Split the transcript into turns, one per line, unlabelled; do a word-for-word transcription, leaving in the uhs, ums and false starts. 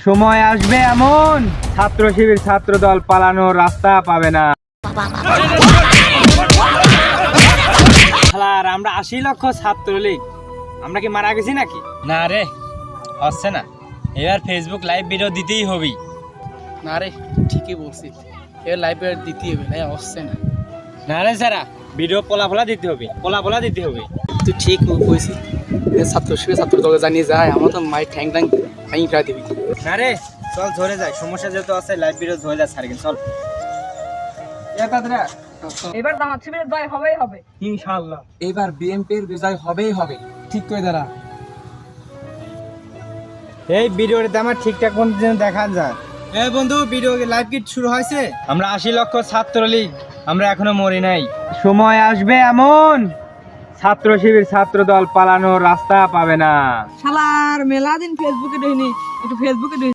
সময় আসবে এমন ছাত্র শিবির ছাত্র দল পালানোর রাস্তা পাবে না। আর আমরা আশি লক্ষ ছাত্রলীগ, আমরা কি মারা গেছি নাকি?
না রে, হচ্ছে না। এবার ফেসবুক লাইভ ভিডিও দিতেই হবে।
না রে, ঠিকই বলছিস, এবার লাইভ দিতেই হবে, না হচ্ছে না।
না রে স্যারা, ভিডিও পোলা পোলা দিতে হবে, পোলা পোলা দিতে হবে।
তুই ঠিক কইছিস, ছাত্র শিবির ছাত্র দলে জানিয়ে যায়, আমার তো মায়ের ঠ্যাং ট্যাং ভেঙে ফেলা দিবি।
না রে, চল ধরে যাই, সমস্যা যেহেতু আছে লাইভ ভিডিও ধরে যায় সার্কেল, চল।
এবার জামাত শিবিরের জয় হবেই হবে
ইনশাআল্লাহ।
এবার বিএনপির বিজয় হবেই হবে। ঠিক করে দাঁড়া।
এই ভিডিওতে আমার ঠিকঠাক মতো যেন দেখা যায়। এই বন্ধু, ভিডিও লাইভ কিট শুরু হয়েছে। আমরা আশি লক্ষ ছাত্রলীগ, আমরা এখনো মরি নাই। সময় আসবে এমন ছাত্র শিবির ছাত্র দল পালানোর রাস্তা পাবে না।
শালার মেলা দিন ফেসবুকে দেখিনি, একটু ফেসবুকে